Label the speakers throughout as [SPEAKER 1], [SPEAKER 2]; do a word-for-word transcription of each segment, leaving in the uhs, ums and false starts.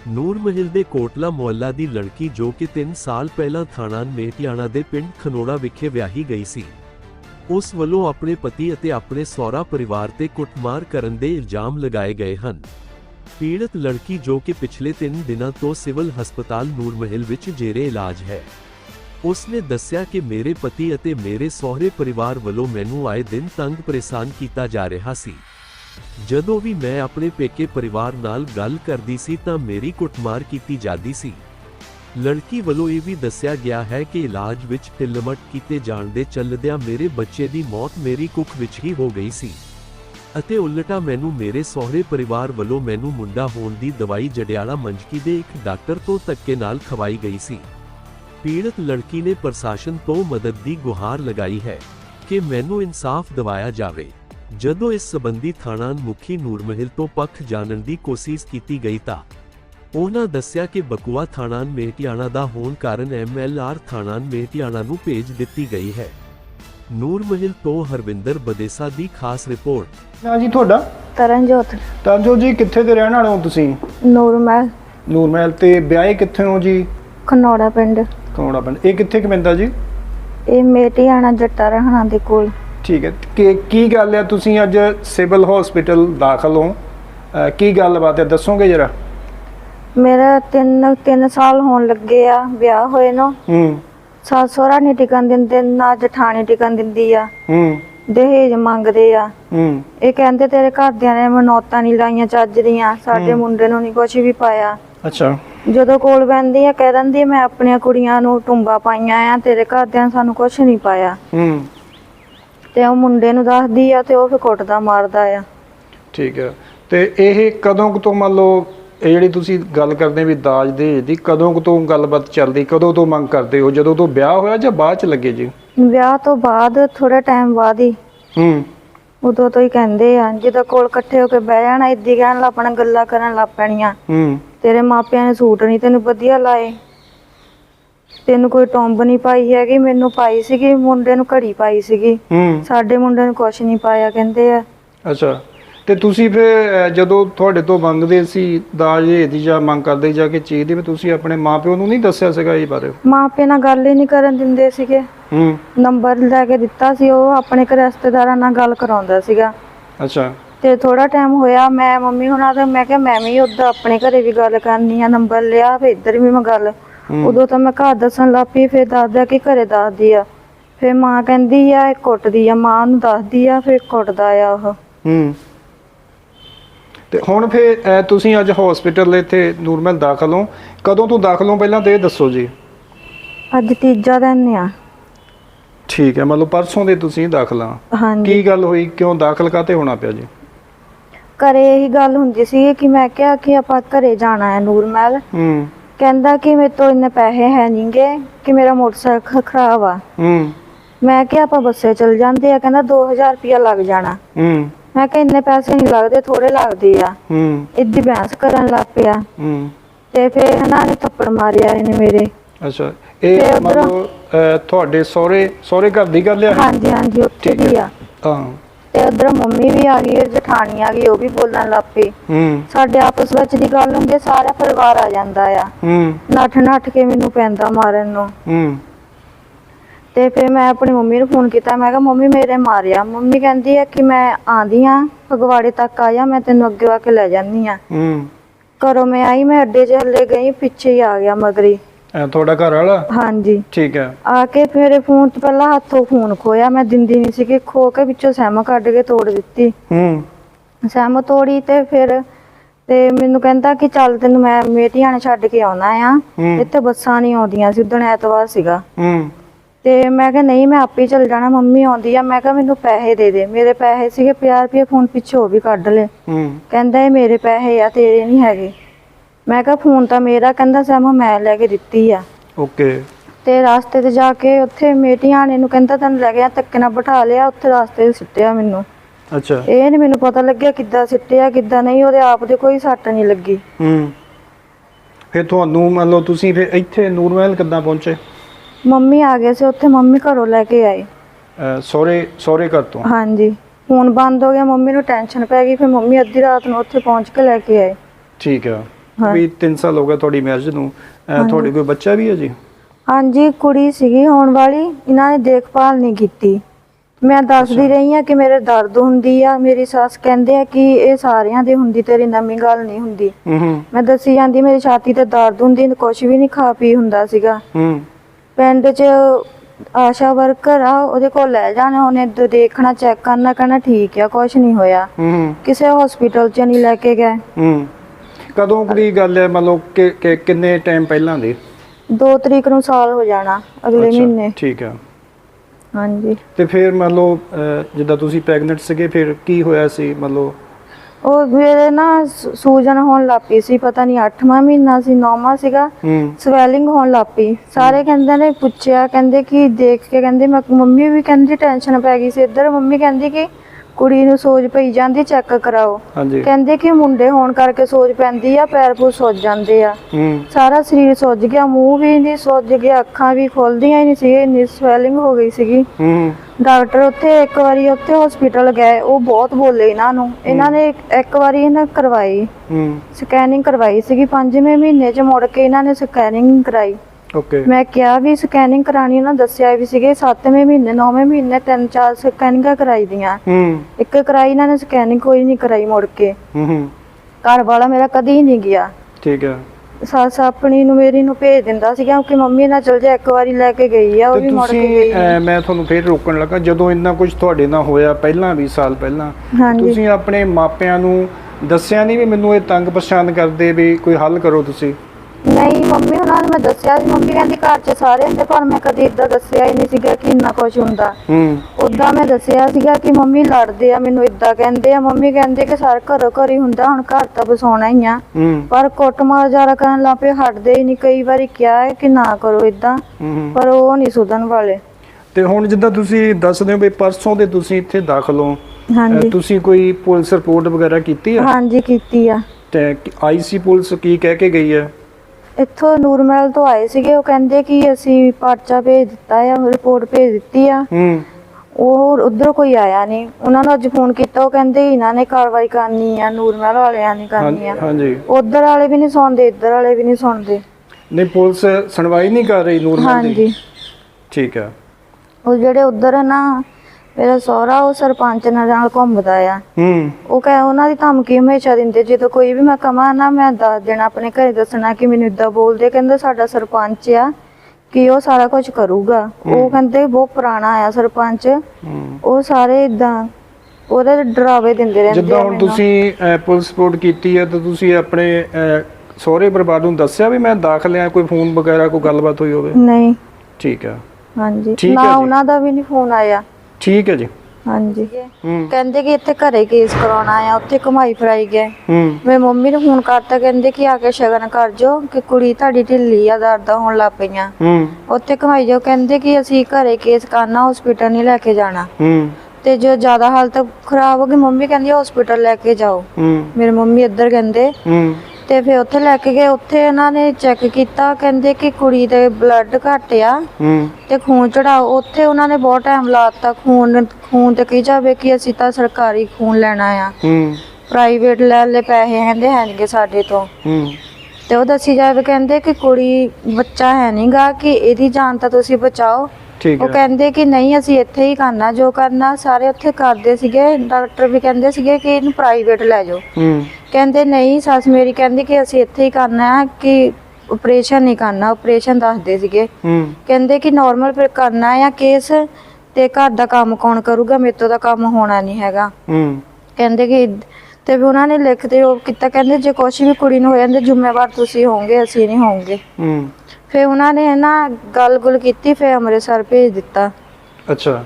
[SPEAKER 1] ਨੂਰ ਮਹਿਲ ਦੇ ਕੋਟਲਾ ਮੁਹੱਲਾ ਦੀ ਲੜਕੀ ਜੋ ਕਿ ਤਿੰਨ ਸਾਲ ਪਹਿਲਾਂ ਥਾਣਾ ਮੇਟਿਆਣਾ ਦੇ ਪਿੰਡ ਖਨੋੜਾ ਵਿਖੇ ਵਿਆਹੀ ਗਈ ਸੀ, ਉਸ ਵੱਲੋਂ ਆਪਣੇ ਪਤੀ ਅਤੇ ਆਪਣੇ ਸਹੁਰਾ ਪਰਿਵਾਰ ਤੇ ਕੁੱਟਮਾਰ ਕਰਨ ਦੇ ਇਲਜ਼ਾਮ ਲਗਾਏ ਗਏ ਹਨ। ਪੀੜਤ ਲੜਕੀ ਜੋ ਕਿ ਪਿਛਲੇ ਤਿੰਨ ਦਿਨਾਂ ਤੋਂ ਸਿਵਲ ਹਸਪਤਾਲ ਨੂਰ ਮਹਿਲ ਵਿੱਚ ਜੇਰੇ ਇਲਾਜ ਹੈ, ਉਸਨੇ ਦੱਸਿਆ ਕਿ ਮੇਰੇ ਪਤੀ ਅਤੇ ਮੇਰੇ ਸਹੁਰੇ ਪਰਿਵਾਰ ਵੱਲੋਂ ਮੈਨੂੰ ਆਏ ਦਿਨ ਤੰਗ ਪਰੇਸ਼ਾਨ ਕੀਤਾ ਜਾ ਰਿਹਾ ਸੀ। ਜਦੋਂ ਵੀ ਮੈਂ ਆਪਣੇ ਪੇਕੇ ਪਰਿਵਾਰ ਨਾਲ ਗੱਲ ਕਰਦੀ ਸੀ ਤਾਂ ਮੇਰੀ ਕੁੱਟਮਾਰ ਕੀਤੀ ਜਾਂਦੀ ਸੀ। ਲੜਕੀ ਵੱਲੋਂ ਇਹ ਵੀ ਦੱਸਿਆ ਗਿਆ ਹੈ ਕਿ ਇਲਾਜ ਵਿੱਚ ਢਿੱਲਮਟ ਕੀਤੇ ਜਾਣ ਦੇ ਚੱਲਦਿਆਂ ਮੇਰੇ ਬੱਚੇ ਦੀ ਮੌਤ ਮੇਰੀ ਕੁੱਖ ਵਿੱਚ ਹੀ ਹੋ ਗਈ ਸੀ ਅਤੇ ਉਲਟਾ ਮੈਨੂੰ ਮੇਰੇ ਸਹੁਰੇ ਪਰਿਵਾਰ ਵੱਲੋਂ ਮੈਨੂੰ ਮੁੰਡਾ ਹੋਣ ਦੀ ਦਵਾਈ ਜੜਿਆਲਾ ਮੰਜਕੀ ਦੇ ਇੱਕ ਡਾਕਟਰ ਤੋਂ ਧੱਕੇ ਨਾਲ ਖਵਾਈ ਗਈ ਸੀ। ਪੀੜਤ ਲੜਕੀ ਨੇ ਪ੍ਰਸ਼ਾਸਨ ਤੋਂ ਮਦਦ ਦੀ ਗੁਹਾਰ ਲਗਾਈ ਹੈ ਕਿ ਮੈਨੂੰ ਇਨਸਾਫ ਦਿਵਾਇਆ ਜਾਵੇ। ਜਦੋਂ ਇਸ ਸੰਬੰਧੀ ਥਾਣਾ ਮੁਖੀ ਨੂਰ ਮਹਿਲ ਤੋਂ ਪੱਖ ਜਾਣਨ ਦੀ ਕੋਸ਼ਿਸ਼ ਕੀਤੀ ਗਈ ਤਾਂ ਉਹਨਾਂ ਦੱਸਿਆ ਕਿ ਬਕੂਆ ਥਾਣਾ ਮੇਟਿਆਣਾ ਦਾ ਹੋਣ ਕਾਰਨ ਐਮ ਐਲ ਆਰ ਥਾਣਾ ਮੇਟਿਆਣਾ ਨੂੰ ਭੇਜ ਦਿੱਤੀ ਗਈ ਹੈ। ਨੂਰ ਮਹਿਲ ਤੋਂ ਹਰਵਿੰਦਰ ਬਦੇਸਾ ਦੀ ਖਾਸ ਰਿਪੋਰਟ।
[SPEAKER 2] ਨਾ ਜੀ ਤੁਹਾਡਾ?
[SPEAKER 3] ਤਰਨਜੋਤ।
[SPEAKER 2] ਤਰਨਜੋਤ ਜੀ ਕਿੱਥੇ ਦੇ ਰਹਿਣ ਵਾਲੇ ਹੋ ਤੁਸੀਂ?
[SPEAKER 3] ਨੂਰ ਮਹਿਲ।
[SPEAKER 2] ਨੂਰ ਮਹਿਲ ਤੇ ਵਿਆਹੇ ਕਿੱਥੇ ਹੋ ਜੀ?
[SPEAKER 3] ਖਨੌੜਾ ਪਿੰਡ।
[SPEAKER 2] ਖਨੌੜਾ ਪਿੰਡ। ਇਹ ਕਿੱਥੇ ਕੁ ਪੈਂਦਾ ਜੀ?
[SPEAKER 3] ਇਹ ਮੇਟਿਆਣਾ ਜੱਟਾ ਰਹਿਣਾ ਦੇ ਕੋਲ।
[SPEAKER 2] ਠੀਕ ਹੈ। ਕਿ ਕੀ ਗੱਲ ਹੈ ਤੁਸੀਂ ਅੱਜ ਸਿਵਲ ਹਸਪੀਟਲ ਦਾਖਲ ਹੋ, ਅਹ ਕੀ ਗੱਲਬਾਤ ਹੈ ਦੱਸੋਗੇ ਜਰਾ?
[SPEAKER 3] ਮੇਰਾ ਤਿੰਨ ਤਿੰਨ ਸਾਲ ਹੋਣ ਲੱਗੇ ਆ ਵਿਆਹ ਹੋਏ ਨੂੰ।
[SPEAKER 2] ਹੂੰ।
[SPEAKER 3] ਸੱਸ ਸਹੁਰਾ ਨਹੀਂ ਟਿਕਣ ਦਿੰਦੇ, ਨਾ ਜਠਾਣੀ ਟਿਕਣ ਦਿੰਦੀ ਆ।
[SPEAKER 2] ਹੂੰ।
[SPEAKER 3] ਦਹੇਜ ਮੰਗਦੇ ਆ।
[SPEAKER 2] ਹੂੰ।
[SPEAKER 3] ਇਹ ਕਹਿੰਦੇ ਤੇਰੇ ਘਰਦਿਆਂ ਨੇ ਮਨੌਤਾਂ ਨਹੀਂ ਲਾਈਆਂ ਚੱਜ ਦੀਆਂ, ਸਾਡੇ ਮੁੰਡੇ ਨੂੰ ਨਹੀਂ ਕੁਝ ਵੀ ਪਾਇਆ।
[SPEAKER 2] ਅੱਛਾ।
[SPEAKER 3] ਜਦੋਂ ਕੋਲ ਬੈਂਦੀ ਆ ਕਹਿ ਦਿੰਦੀ ਮੈਂ ਆਪਣੀਆਂ ਕੁੜੀਆਂ ਨੂੰ ਟੁੰਬਾ ਪਾਈਆਂ ਆ, ਤੇਰੇ ਘਰਦਿਆਂ ਨੇ ਸਾਨੂੰ ਕੁਝ ਨਹੀਂ ਪਾਇਆ।
[SPEAKER 2] ਹੂੰ। ਤੇ
[SPEAKER 3] ਉਹ ਮੁੰਡੇ ਨੂੰ ਦੱਸਦੀ ਆ ਤੇ ਉਹ ਫਿਰ ਕੁੱਟਦਾ ਮਾਰਦਾ ਆ।
[SPEAKER 2] ਠੀਕ ਹੈ। ਤੇ ਇਹ ਕਦੋਂ ਕੁ ਤੋਂ ਮੰਨ ਲਓ ਇਹ ਜਿਹੜੀ ਤੁਸੀਂ ਗੱਲ ਕਰਦੇ ਵੀ ਦਾਜ ਦੇ ਦੀ ਕਦੋਂ ਕੁ ਤੋਂ ਗੱਲਬਾਤ ਚੱਲਦੀ, ਕਦੋਂ ਤੋਂ ਮੰਗ ਕਰਦੇ ਹੋ? ਜਦੋਂ ਤੋਂ ਵਿਆਹ ਹੋਇਆ ਜਾਂ ਬਾਅਦ ਚ ਲੱਗੇ ਜੀ?
[SPEAKER 3] ਵਿਆਹ ਤੋਂ ਬਾਅਦ ਥੋੜਾ ਟਾਈਮ ਬਾਅਦ ਹੀ।
[SPEAKER 2] ਹੂੰ।
[SPEAKER 3] ਉਦੋਂ ਤੋਂ ਹੀ ਕਹਿੰਦੇ ਆ, ਜਦੋਂ ਕੋਲ ਇਕੱਠੇ ਹੋ ਕੇ ਬਹਿ ਜਾਣਾ ਇੱਦੀ ਕਹਿਣ ਲੱਗ ਪੈਣਾ, ਗੱਲਾਂ ਕਰਨ ਲੱਗ ਪੈਣੀਆਂ।
[SPEAKER 2] ਹੂੰ।
[SPEAKER 3] ਤੇਰੇ ਮਾਪਿਆਂ ਨੇ ਸੂਟ ਨਹੀਂ ਤੈਨੂੰ ਵਧੀਆ ਲਾਏ, ਤੈਨੂੰ ਕੋਈ ਟੌਂਬ ਨਹੀਂ ਪਾਈ ਹੈਗੀ, ਮੈਨੂੰ ਪਾਈ ਸੀਗੀ, ਮੁੰਡੇ ਨੂੰ ਘੜੀ ਪਾਈ ਸੀਗੀ, ਸਾਡੇ ਮੁੰਡੇ ਨੂੰ ਕੁਛ ਨਹੀਂ ਪਾਇਆ ਕਹਿੰਦੇ ਆ।
[SPEAKER 2] ਅੱਛਾ। ਤੇ ਤੁਸੀਂ ਫਿਰ ਜਦੋਂ ਤੁਹਾਡੇ ਤੋਂ ਮੰਗਦੇ ਸੀ ਦਾਜ ਦੀ ਜਾਂ ਮੰਗ ਕਰਦੇ ਜਾ ਕੇ ਚੀਜ਼ ਦੀ, ਤੁਸੀਂ ਆਪਣੇ ਮਾਪਿਓ ਨੂੰ ਨਹੀਂ ਦੱਸਿਆ ਸੀਗਾ ਇਹ ਬਾਰੇ?
[SPEAKER 3] ਮਾਪਿਆਂ ਨਾਲ ਗੱਲ ਹੀ ਨਹੀਂ ਕਰਨ ਦਿੰਦੇ ਸੀਗੇ।
[SPEAKER 2] ਹੂੰ।
[SPEAKER 3] ਨੰਬਰ ਲੈ ਕੇ ਦਿੱਤਾ ਸੀ, ਉਹ ਆਪਣੇ ਘਰ ਰਿਸ਼ਤੇਦਾਰਾਂ ਨਾਲ ਗੱਲ ਕਰਾਉਂਦਾ ਸੀਗਾ।
[SPEAKER 2] ਅੱਛਾ। ਤੇ
[SPEAKER 3] ਥੋੜਾ ਟਾਈਮ ਹੋਇਆ ਮੈਂ ਮੰਮੀ ਹੁਣਾਂ ਤੇ ਮੈਂ ਕਿਹਾ ਮੈਂ ਵੀ ਉੱਦਾਂ ਆਪਣੇ ਘਰੇ ਵੀ ਗੱਲ ਕਰਨੀ ਆ, ਨੰਬਰ ਲਿਆ ਫਿਰ ਇੱਧਰ ਵੀ ਮੈਂ ਗੱਲ। ਉਦੋਂ ਤਾਂ ਮੈਂ ਘਰ ਦੱਸਣ ਲੱਗ ਪਈ, ਫਿਰ ਦੱਸਦਾ ਕਿ ਘਰੇ ਦੱਸਦੀ ਆ, ਫਿਰ ਮਾਂ ਕਹਿੰਦੀ ਆ ਇਹ ਕੁੱਟਦੀ ਆ, ਮਾਂ ਨੂੰ ਦੱਸਦੀ ਆ ਫਿਰ ਕੁੱਟਦਾ ਆ ਉਹ।
[SPEAKER 2] ਹੂੰ। ਤੇ ਹੁਣ ਫਿਰ ਤੁਸੀਂ ਅੱਜ ਹਸਪੀਟਲ ਇੱਥੇ ਨੂਰ ਮਹਿਲ ਦਾਖਲ ਹੋ, ਕਦੋਂ ਤੋਂ ਦਾਖਲ ਹੋ ਪਹਿਲਾਂ ਤੇ ਇਹ ਦੱਸੋ ਜੀ?
[SPEAKER 3] ਅੱਜ ਤੀਜਾ ਦਿਨ ਆ।
[SPEAKER 2] ਠੀਕ ਹੈ। ਮਤਲਬ ਪਰਸੋਂ ਦੇ ਤੁਸੀਂ ਦਾਖਲ ਆ?
[SPEAKER 3] ਹਾਂਜੀ।
[SPEAKER 2] ਕੀ ਗੱਲ ਹੋਈ, ਕਿਉਂ ਦਾਖਲ ਕਾਤੇ ਹੋਣਾ ਪਿਆ ਜੀ?
[SPEAKER 3] ਘਰੇ ਇਹੀ ਗੱਲ ਹੁੰਦੀ ਸੀ ਕਿ ਮੈਂ ਕਿਹਾ ਕਿ ਆਪਾਂ ਘਰੇ ਜਾਣਾ ਹੈ ਨੂਰ ਮਹਿਲ।
[SPEAKER 2] ਹੂੰ। ਕਹਿੰਦਾ
[SPEAKER 3] ਕਿ ਮੇਰੇ ਤੋਂ ਇੰਨੇ ਪੈਸੇ ਹੈ ਨਹੀਂਗੇ, ਕਿ ਮੇਰਾ ਮੋਟਰਸਾਈਕਲ ਖਰਾਬ ਆ।
[SPEAKER 2] ਹੂੰ।
[SPEAKER 3] ਮੈਂ ਕਿਹਾ ਆਪਾਂ ਬੱਸੇ ਚਲ ਜਾਂਦੇ ਆ, ਕਹਿੰਦਾ ਦੋ ਹਜ਼ਾਰ ਰੁਪਇਆ ਲੱਗ ਜਾਣਾ।
[SPEAKER 2] ਹੂੰ। ਮੈਂ
[SPEAKER 3] ਕਿਹਾ ਇੰਨੇ ਪੈਸੇ ਨਹੀਂ ਲੱਗਦੇ, ਥੋੜੇ ਲੱਗਦੇ ਆ।
[SPEAKER 2] ਹੂੰ।
[SPEAKER 3] ਇੱਦੀ ਬਹਿਸ ਕਰਨ ਲੱਗ ਪਿਆ।
[SPEAKER 2] ਹੂੰ।
[SPEAKER 3] ਤੇ ਫਿਰ ਇਹਨਾਂ ਨੇ ਥੱਪੜ ਮਾਰਿਆ ਇਹਨੇ ਮੇਰੇ।
[SPEAKER 2] ਅੱਛਾ। ਇਹ ਮਤਲਬ ਤੁਹਾਡੇ ਸਹੁਰੇ ਸਹੁਰੇ ਘਰ ਦੀ ਗੱਲ ਆ?
[SPEAKER 3] ਹਾਂਜੀ ਹਾਂਜੀ ਉੱਥੇ ਦੀ ਆ।
[SPEAKER 2] ਹਾਂ।
[SPEAKER 3] ਤੇ ਉਧਰ ਮੰਮੀ ਵੀ ਆ ਗਈ, ਜਠਾਣੀ ਆ ਗਈ, ਉਹ ਵੀ ਬੋਲਣ ਲੱਗ ਪਈ।
[SPEAKER 2] ਹੂੰ।
[SPEAKER 3] ਸਾਡੇ ਆਪਸ ਵਿੱਚ ਦੀ ਗੱਲ ਹੁੰਦੀ, ਸਾਰਾ ਪਰਿਵਾਰ ਆ ਜਾਂਦਾ ਆ।
[SPEAKER 2] ਹੂੰ। ਨੱਠ
[SPEAKER 3] ਨੱਠ ਕੇ ਮੈਨੂੰ ਪੈਂਦਾ ਮਾਰਨ ਨੂੰ।
[SPEAKER 2] ਹੂੰ।
[SPEAKER 3] ਤੇ ਫਿਰ ਮੈਂ ਆਪਣੀ ਮੰਮੀ ਨੂੰ ਫੋਨ ਕੀਤਾ, ਮੈਂ ਕਿਹਾ ਮੰਮੀ ਮੇਰੇ ਮਾਰਿਆ। ਮੰਮੀ ਕਹਿੰਦੀ ਆ ਕਿ ਮੈਂ ਆਂਦੀ ਆ ਫਗਵਾੜੇ ਤੱਕ ਆ ਜਾ, ਮੈਂ ਤੈਨੂੰ ਅੱਗੇ ਆ ਕੇ ਲੈ ਜਾਂਦੀ ਆ।
[SPEAKER 2] ਹੂੰ।
[SPEAKER 3] ਘਰੋਂ ਮੈਂ ਆਈ, ਮੈਂ ਅੱਡੇ 'ਚ ਹੱਲੇ ਗਈ, ਪਿੱਛੇ ਹੀ ਆ ਗਿਆ ਮਗਰੀ।
[SPEAKER 2] ਤੁਹਾਡਾ ਘਰ ਵਾਲਾ?
[SPEAKER 3] ਹਾਂਜੀ।
[SPEAKER 2] ਠੀਕ ਹੈ।
[SPEAKER 3] ਆ ਕੇ ਮੇਰੇ ਫੋਨ ਤੋਂ ਪਹਿਲਾਂ ਹੱਥੋਂ ਫੋਨ ਖੋਇਆ, ਮੈਂ ਦਿੰਦੀ ਨਹੀਂ ਸੀ, ਖੋ ਕੇ ਵਿੱਚੋਂ ਸਿਮ ਕੱਢ ਕੇ ਤੋੜ ਦਿੱਤੀ।
[SPEAKER 2] ਹੂੰ।
[SPEAKER 3] ਸਿਮ ਤੋੜੀ ਤੇ ਫਿਰ ਤੇ ਮੈਨੂੰ ਕਹਿੰਦਾ ਕਿ ਚੱਲ ਤੈਨੂੰ ਮੈਂ ਮੇਟੀਆਣੇ ਛੱਡ ਕੇ ਆਉਣਾ ਆ, ਇੱਥੇ ਬੱਸਾਂ ਨਹੀਂ ਆਉਂਦੀਆਂ ਸੀ, ਉਦਣ ਐਤਵਾਰ ਸੀਗਾ।
[SPEAKER 2] ਹੂੰ। ਤੇ
[SPEAKER 3] ਮੈਂ ਕਿਹਾ ਨਹੀਂ ਮੈਂ ਆਪੇ ਚੱਲ ਜਾਣਾ, ਮੰਮੀ ਆਉਂਦੀ ਆ। ਮੈਂ ਕਿਹਾ ਮੈਨੂੰ ਪੈਸੇ ਦੇ ਦੇ, ਮੇਰੇ ਪੈਸੇ ਸੀਗੇ ਪੰਜਾਹ ਰੁਪਏ, ਫੋਨ ਪਿੱਛੇ ਉਹ ਵੀ ਕੱਢ ਲਏ। ਕਹਿੰਦਾ ਇਹ ਮੇਰੇ ਪੈਸੇ ਆ, ਤੇਰੇ ਨਹੀਂ ਹੈਗੇ। ਮੈਂ ਕਿਹਾ ਫੋਨ ਤਾਂ ਮੇਰਾ। ਕਹਿੰਦਾ ਸਿਮ ਮੈਂ ਲੈ ਕੇ ਦਿੱਤੀ ਆ।
[SPEAKER 2] ਓਕੇ।
[SPEAKER 3] ਤੇ ਰਾਸਤੇ ਤੇ ਜਾ ਕੇ ਉੱਥੇ ਮੇਟੀਆਣੇ ਨੂੰ ਕਹਿੰਦਾ ਤੈਨੂੰ ਲੈ ਗਿਆ, ਧੱਕੇ ਨਾਲ ਬਿਠਾ ਲਿਆ, ਉੱਥੇ ਰਾਸਤੇ 'ਚ ਸਿੱਟਿਆ ਮੈਨੂੰ।
[SPEAKER 2] ਅੱਛਾ।
[SPEAKER 3] ਇਹ ਨੀ ਮੈਨੂੰ ਪਤਾ ਲੱਗਿਆ ਕਿੱਦਾਂ ਸਿੱਟਿਆ ਕਿੱਦਾਂ ਨਹੀਂ, ਉਹਦੇ ਆਪ ਦੇ ਕੋਈ ਸੱਟ ਨਹੀਂ ਲੱਗੀ।
[SPEAKER 2] ਹੂੰ। ਫਿਰ ਤੁਹਾਨੂੰ ਮੰਨ ਲਓ ਤੁਸੀਂ ਫਿਰ ਇੱਥੇ ਨੂਰ ਮਹਿਲ ਕਿੱਦਾਂ ਪਹੁੰਚੇ?
[SPEAKER 3] ਮੰਮੀ ਆ ਗਏ ਸੀ ਉੱਥੇ, ਮੰਮੀ ਘਰੋਂ ਲੈ ਕੇ ਆਏ।
[SPEAKER 2] ਸਹੁਰੇ ਸਹੁਰੇ ਘਰ ਤੋਂ?
[SPEAKER 3] ਹਾਂਜੀ। ਫੋਨ ਬੰਦ ਹੋ ਗਿਆ, ਮੰਮੀ ਨੂੰ ਟੈਨਸ਼ਨ ਪੈ ਗਈ, ਫਿਰ ਮੰਮੀ ਅੱਧੀ ਰਾਤ ਨੂੰ ਉੱਥੇ ਪਹੁੰਚ ਕੇ ਲੈ ਕੇ ਆਏ।
[SPEAKER 2] ਠੀਕ ਹੈ। ਵੀ ਤਿੰਨ ਸਾਲ ਹੋ ਗਏ ਤੁਹਾਡੀ ਮੈਰਿਜ ਨੂੰ, ਅਹ ਤੁਹਾਡੇ ਕੋਈ ਬੱਚਾ ਵੀ ਹੈ ਜੀ?
[SPEAKER 3] ਹਾਂਜੀ, ਕੁੜੀ ਸੀਗੀ ਹੋਣ ਵਾਲੀ, ਇਹਨਾਂ ਨੇ ਦੇਖਭਾਲ ਨਹੀਂ ਕੀਤੀ। ਮੈਂ ਦੱਸਦੀ ਰਹੀ ਆ ਕਿ ਮੇਰੇ ਦਰਦ ਹੁੰਦੀ ਆ, ਮੇਰੀ ਸੱਸ ਕਹਿੰਦੇ ਆ ਕਿ ਇਹ ਸਾਰਿਆਂ ਦੇ ਹੁੰਦੀ, ਤੇਰੀ ਨਵੀਂ ਗੱਲ ਨਹੀਂ ਹੁੰਦੀ। ਮੈਂ ਦੱਸੀ ਜਾਂਦੀ ਮੇਰੀ ਛਾਤੀ ਤੇ ਦਰਦ ਹੁੰਦੀ, ਕੁਝ ਵੀ ਨਹੀਂ ਖਾ ਪੀ ਹੁੰਦਾ ਸੀਗਾ। ਪਿੰਡ 'ਚ ਆਸ਼ਾ ਵਰਕਰ ਆ, ਉਹਦੇ ਕੋਲ ਲੈ ਜਾਣਾ, ਉਹਨੇ ਦੇਖਣਾ, ਚੈੱਕ ਕਰਨਾ, ਕਹਿਣਾ ਠੀਕ ਆ, ਕੁਝ ਨਹੀਂ ਹੋਇਆ। ਕਿਸੇ ਹਸਪੀਟਲ 'ਚ ਨਹੀਂ ਲੈ ਕੇ ਗਏ।
[SPEAKER 2] ਕਦੋਂ ਦੀ ਗੱਲ ਹੈ, ਮਤਲਬ ਕਿ ਕਿੰਨੇ ਟਾਈਮ ਪਹਿਲਾਂ ਦੀ?
[SPEAKER 3] ਦੋ ਤਰੀਕ ਨੂੰ ਸਾਲ ਹੋ ਜਾਣਾ, ਅਗਲੇ ਮਹੀਨੇ।
[SPEAKER 2] ਠੀਕ ਆ।
[SPEAKER 3] ਹਾਂਜੀ।
[SPEAKER 2] ਤੇ ਫਿਰ ਮੰਨ ਲਓ ਜਿੱਦਾਂ ਤੁਸੀਂ ਪ੍ਰੈਗਨੈਂਟ ਸੀਗੇ, ਫਿਰ ਕੀ ਹੋਇਆ ਸੀ? ਮੰਨ ਲਓ
[SPEAKER 3] ਉਹ ਮੇਰੇ ਨਾ ਸੂਜਨ ਹੋਣ ਲੱਗ ਪਈ ਸੀ, ਪਤਾ ਨਹੀਂ ਅੱਠਵਾਂ ਮਹੀਨਾ ਸੀ ਨੌਵਾਂ ਸੀਗਾ, ਸਵੈਲਿੰਗ ਹੋਣ ਲੱਗ ਪਈ। ਸਾਰੇ ਕਹਿੰਦੇ ਨੇ ਪੁੱਛਿਆ, ਕਹਿੰਦੇ ਕਿ ਦੇਖ ਕੇ, ਕਹਿੰਦੇ ਮੈਂ ਮੰਮੀ ਵੀ ਕਹਿੰਦੀ ਟੈਨਸ਼ਨ ਪੈ ਗਈ ਸੀ ਇੱਧਰ। ਮੰਮੀ ਕਹਿੰਦੀ ਕਿ ਕੁੜੀ ਨੂੰ ਸੋਜ ਪਈ ਜਾਂਦੀ, ਚੈੱਕ ਕਰਾਓ। ਕਹਿੰਦੇ ਕਿ ਮੁੰਡੇ ਹੋਣ ਕਰਕੇ ਸੋਜ ਪੈਂਦੀ ਆ, ਪੈਰ ਪੂਰ ਸੁੱਜ ਜਾਂਦੇ ਆ, ਸਾਰਾ ਸਰੀਰ ਸੁੱਜ ਗਿਆ, ਮੂੰਹ ਵੀ ਨਹੀਂ ਸੁੱਜ ਗਿਆ, ਅੱਖਾਂ ਵੀ ਖੁੱਲਦੀਆਂ ਹੀ ਨਹੀਂ ਸੀ, ਇੰਨੀ ਸਵੈਲਿੰਗ ਹੋ ਗਈ ਸੀਗੀ। ਡਾਕਟਰ ਉੱਥੇ ਇੱਕ ਵਾਰੀ ਉੱਥੇ ਹਸਪੀਟਲ ਗਏ, ਉਹ ਬਹੁਤ ਬੋਲੇ ਇਹਨਾਂ ਨੂੰ। ਇਹਨਾਂ ਨੇ ਇੱਕ ਵਾਰੀ ਇਹਨਾਂ ਕਰਵਾਈ ਸਕੈਨਿੰਗ ਕਰਵਾਈ ਸੀਗੀ, ਪੰਜਵੇਂ ਮਹੀਨੇ 'ਚ ਮੁੜ ਕੇ ਇਹਨਾਂ ਨੇ ਸਕੈਨਿੰਗ ਕਰਾਈ। ਮੈਂ ਕਿਹਾ ਵੀ ਸਕੈਨਿੰਗ ਕਰਾਣੀ, ਉਹਨਾਂ ਦੱਸਿਆ ਵੀ ਸੀਗੇ ਸੱਤਵੇਂ ਮਹੀਨੇ ਨੌਵੇਂ ਮਹੀਨੇ ਤਿੰਨ ਚਾਰ ਸਕੈਨਿੰਗਾਂ ਕਰਾਈ ਦੀਆਂ। ਇੱਕ ਕਰਾਈ ਇਹਨਾਂ ਨੇ ਸਕੈਨਿੰਗ, ਕੋਈ ਨਹੀਂ ਕਰਾਈ ਮੁੜ ਕੇ। ਘਰ ਵਾਲਾ ਮੇਰਾ ਕਦੀ ਨਹੀਂ ਗਿਆ।
[SPEAKER 2] ਠੀਕ ਹੈ।
[SPEAKER 3] ਸੱਸ ਆਪਣੀ ਨੂੰ ਮੇਰੀ ਨੂੰ ਭੇਜ ਦਿੰਦਾ ਸੀ, ਕਿਉਂਕਿ ਮੰਮੀ ਨਾਲ ਚਲ ਜਾ, ਇੱਕ ਵਾਰੀ ਲੈ ਕੇ ਗਈ ਆ, ਉਹ ਵੀ ਮੁੜ ਕੇ ਗਈ।
[SPEAKER 2] ਮੈਂ ਤੁਹਾਨੂੰ ਫੇਰ ਰੋਕਣ ਲੱਗਾ, ਜਦੋਂ ਇੰਨਾ ਕੁਝ ਤੁਹਾਡੇ ਨਾਲ ਹੋਇਆ ਪਹਿਲਾਂ ਵੀਹ ਸਾਲ ਪਹਿਲਾਂ, ਤੁਸੀਂ ਆਪਣੇ ਮਾਪਿਆਂ ਨੂੰ ਦੱਸਿਆ ਨਹੀਂ ਵੀ ਮੈਨੂੰ ਇਹ ਤੰਗ ਪਰੇਸ਼ਾਨ ਕਰਦੇ, ਵੀ ਕੋਈ ਹੱਲ ਕਰੋ ਤੁਸੀਂ?
[SPEAKER 3] ਨਹੀਂ, ਮੰਮੀ ਉਹਨਾਂ ਨੂੰ ਮੈਂ ਦੱਸਿਆ ਸੀ। ਮੰਮੀ ਕਹਿੰਦੀ ਘਰ 'ਚ ਸਾਰੇ ਹੁੰਦੇ, ਪਰ ਮੈਂ ਕਦੇ ਏਦਾਂ ਦੱਸਿਆ ਹੀ ਨਹੀਂ ਸੀਗਾ ਕਿ ਇੰਨਾ ਕੁਝ ਹੁੰਦਾ। ਉਦਾਂ ਮੈਂ ਦੱਸਿਆ ਸੀਗਾ ਕਿ ਮੰਮੀ ਲੜਦੇ ਆ, ਮੈਨੂੰ ਏਦਾਂ ਕਹਿੰਦੇ ਆ। ਮੰਮੀ ਕਹਿੰਦੇ ਕਿ ਸਾਰਾ ਘਰੋਂ ਘਰ ਹੀ ਹੁੰਦਾ, ਹੁਣ ਘਰ ਤਾਂ ਬਸਾਉਣਾ ਹੀ ਆ, ਪਰ ਕੁੱਟਮਾਰ ਜ਼ਿਆਦਾ ਕਰਨ ਲੱਗ ਪਏ, ਹਟਦੇ ਹੀ ਨਹੀਂ। ਕਈ ਵਾਰੀ ਕਿਹਾ ਹੈ ਕਿ ਨਾ ਕਰੋ ਏਦਾਂ, ਪਰ ਉਹ ਨਹੀਂ ਸੁਧਰਨ ਵਾਲੇ।
[SPEAKER 2] ਤੇ ਹੁਣ ਜਿੱਦਾਂ ਤੁਸੀਂ ਦੱਸਦੇ ਹੋ ਵੀ ਪਰਸੋਂ ਦੇ ਤੁਸੀਂ ਇੱਥੇ ਦਾਖਲ ਹੋ,
[SPEAKER 3] ਹਾਂਜੀ,
[SPEAKER 2] ਤੁਸੀਂ ਕੋਈ ਪੁਲਿਸ ਰਿਪੋਰਟ ਵਗੈਰਾ ਕੀਤੀ ਆ?
[SPEAKER 3] ਹਾਂਜੀ ਕੀਤੀ ਆ। ਤੇ
[SPEAKER 2] ਆਈ ਸੀ ਪੁਲਿਸ ਕੀ ਕਹਿ ਕੇ ਗਈ ਹੈ?
[SPEAKER 3] ਇੱਥੋਂ ਨੂਰਮਹਿਲ ਤੋਂ ਆਏ ਸੀਗੇ, ਉਹ ਕਹਿੰਦੇ ਕਿ ਅਸੀਂ ਪਰਚਾ ਭੇਜ ਦਿੱਤਾ ਆ, ਰਿਪੋਰਟ ਭੇਜ ਦਿੱਤੀ ਆ। ਉਹ ਉਧਰ ਕੋਈ ਆਇਆ ਨਹੀਂ, ਉਹਨਾਂ ਨੂੰ ਅੱਜ ਫੋਨ ਕੀਤਾ, ਉਹ ਕਹਿੰਦੇ ਇਹਨਾਂ ਨੇ ਕਾਰਵਾਈ ਕਰਨੀ ਆ, ਨੂਰਮਹਿਲ ਵਾਲਿਆਂ ਨੇ ਕਰਨੀ ਆ। ਉਧਰ ਵਾਲੇ ਵੀ ਨਹੀਂ ਸੁਣਦੇ, ਇੱਧਰ ਵਾਲੇ ਵੀ ਨਹੀਂ ਸੁਣਦੇ। ਨਹੀਂ, ਪੁਲਿਸ ਸੁਣਵਾਈ ਨਹੀਂ ਕਰ ਰਹੀ ਨੂਰਮਹਿਲ ਦੀ? ਹਾਂਜੀ। ਠੀਕ ਆ। ਉਹ ਜਿਹੜੇ ਉਧਰ ਨਾ ਮੇਰਾ ਸਹੁਰਾ, ਉਹ ਸਰਪੰਚ ਨਾਲ ਘੁੰਮਦਾ ਆ। ਉਹ ਕਹੇ ਉਹਨਾਂ ਦੀ ਧਮਕੀ ਹਮੇਸ਼ਾ ਦਿੰਦੇ, ਜਦੋਂ ਕੋਈ ਵੀ ਮੈਂ ਕਹਾਂ ਨਾ ਮੈਂ ਦੱਸ ਦੇਣਾ, ਆਪਣੇ ਘਰੇ ਦੱਸਣਾ ਕਿ ਮੈਨੂੰ ਏਦਾਂ ਬੋਲਦੇ। ਕਹਿੰਦੇ ਸਾਡਾ ਸਰਪੰਚ ਆ ਕਿ ਉਹ ਸਾਰਾ ਕੁਝ ਕਰੂਗਾ। ਉਹ ਕਹਿੰਦੇ ਬਹੁਤ ਪੁਰਾਣਾ ਆ ਸਰਪੰਚ, ਉਹ ਸਾਰੇ ਏਦਾਂ ਉਹਦੇ ਡਰਾਵੇ ਦਿੰਦੇ ਰਹਿੰਦੇ। ਜਿੱਦਾਂ ਹੁਣ ਤੁਸੀਂ ਪੁਲਿਸ ਰਿਪੋਰਟ ਕੀਤੀ ਹੈ, ਤਾਂ ਤੁਸੀਂ ਆਪਣੇ ਸਹੁਰੇ ਪਰਿਵਾਰ ਨੂੰ ਦੱਸਿਆ ਵੀ ਮੈਂ ਦਾਖਲ ਆ? ਕੋਈ ਫੋਨ ਵਗੈਰਾ ਕੋਈ ਗੱਲਬਾਤ ਹੋਈ ਹੋਵੇ? ਨਹੀਂ। ਠੀਕ ਆ। ਹਾਂਜੀ, ਨਾ ਉਹਨਾਂ ਦਾ ਵੀ ਨਹੀਂ ਫੋਨ ਆਇਆ। ਠੀਕ ਹੈ ਜੀ। ਹਾਂਜੀ। ਕਹਿੰਦੇ ਕਿ ਇੱਥੇ ਘਰੇ ਕੇਸ ਕਰਾਉਣਾ ਆ, ਉੱਥੇ ਘੁਮਾਈ ਫਰਾਈ ਗਏ। ਮੈਂ ਮੰਮੀ ਨੂੰ ਫੋਨ ਕਰਤਾ, ਕਹਿੰਦੇ ਕਿ ਆ ਕੇ ਸ਼ਗਨ ਕਰ ਜੋ, ਕਿ ਕੁੜੀ ਤੁਹਾਡੀ ਢਿੱਲੀ ਆ, ਦਰਦਾਂ ਹੋਣ ਲੱਗ ਪਈਆਂ, ਉੱਥੇ ਘੁਮਾਈ ਜਾਓ। ਕਹਿੰਦੇ ਕਿ ਅਸੀਂ ਘਰੇ ਕੇਸ ਕਰਨਾ, ਹਸਪੀਟਲ ਨਹੀਂ ਲੈ ਕੇ ਜਾਣਾ। ਤੇ ਜੋ ਜ਼ਿਆਦਾ ਹਾਲਤ ਖਰਾਬ ਹੋ ਗਈ, ਮੰਮੀ ਕਹਿੰਦੀ ਹਸਪੀਟਲ ਲੈ ਕੇ ਜਾਓ। ਮੇਰੇ ਮੰਮੀ ਇੱਧਰ ਕਹਿੰਦੇ, ਤੇ ਫਿਰ ਉੱਥੇ ਲੈ ਕੇ ਗਏ। ਉੱਥੇ ਇਹਨਾਂ ਨੇ ਚੈੱਕ ਕੀਤਾ, ਕਹਿੰਦੇ ਕਿ ਕੁੜੀ ਦੇ ਬਲੱਡ ਘੱਟ ਆ ਤੇ ਖੂਨ ਚੜਾਓ। ਉੱਥੇ ਉਹਨਾਂ ਨੇ ਬਹੁਤ ਟਾਈਮ ਲਾਤਾ। ਖੂਨ ਖੂਨ ਤੇ ਕਹੀ ਜਾਵੇ ਕਿ ਅਸੀਂ ਤਾਂ ਸਰਕਾਰੀ ਖੂਨ ਲੈਣਾ ਆ, ਪ੍ਰਾਈਵੇਟ ਲੈ ਲੈ ਪੈਸੇ ਕਹਿੰਦੇ ਹੈ ਨੀ ਸਾਡੇ ਤੋਂ। ਤੇ ਉਹ ਦੱਸੀ ਜਾਵੇ, ਕਹਿੰਦੇ ਕਿ ਕੁੜੀ ਬੱਚਾ ਹੈ ਨੀ ਗਾ, ਕਿ ਇਹਦੀ ਜਾਨ ਤਾਂ ਤੁਸੀਂ ਬਚਾਓ। ਉਹ ਕਹਿੰਦੇ ਕਿ ਨਹੀਂ, ਅਸੀਂ ਇੱਥੇ ਹੀ ਕਰਨਾ, ਜੋ ਕਰਨਾ ਸਾਰੇ ਉੱਥੇ ਕਰਦੇ ਸੀਗੇ। ਡਾਕਟਰ ਵੀ ਕਹਿੰਦੇ ਸੀਗੇ ਕਿ ਇਹਨੂੰ ਪ੍ਰਾਈਵੇਟ ਲੈ ਜਾਓ। ਕਹਿੰਦੇ ਨਹੀਂ, ਸੱਸ ਮੇਰੀ ਕਹਿੰਦੀ ਕਿ ਅਸੀਂ ਇੱਥੇ ਹੀ ਕਰਨਾ ਹੈ, ਕਿ ਆਪਰੇਸ਼ਨ ਨਹੀਂ ਕਰਨਾ। ਆਪਰੇਸ਼ਨ ਦੱਸਦੇ ਸੀਗੇ, ਕਹਿੰਦੇ ਕਿ ਨੋਰਮਲ ਫਿਰ ਕਰਨਾ ਆ ਕੇਸ, ਤੇ ਘਰ ਦਾ ਕੰਮ ਕੌਣ ਕਰੂਗਾ, ਮੇਰੇ ਤੋਂ ਤਾਂ ਕੰਮ ਹੋਣਾ ਨਹੀਂ ਹੈਗਾ। ਕਹਿੰਦੇ ਕਿ ਤੇ ਵੀ ਉਹਨਾਂ ਨੇ ਲਿਖਦੇ ਉਹ ਕੀਤਾ, ਕਹਿੰਦੇ ਜੇ ਕੁਛ ਵੀ ਕੁੜੀ ਨੂੰ ਹੋ ਜਾਂਦੇ, ਜ਼ਿੰਮੇਵਾਰ ਤੁਸੀਂ ਹੋਵੋਗੇ, ਅਸੀਂ ਨਹੀਂ ਹੋਵਾਂਗੇ। ਫਿਰ ਉਹਨਾਂ ਨੇ ਨਾ ਗੱਲ ਗੁੱਲ ਕੀਤੀ, ਫਿਰ ਅੰਮ੍ਰਿਤਸਰ ਭੇਜ ਦਿੱਤਾ। ਅੱਛਾ।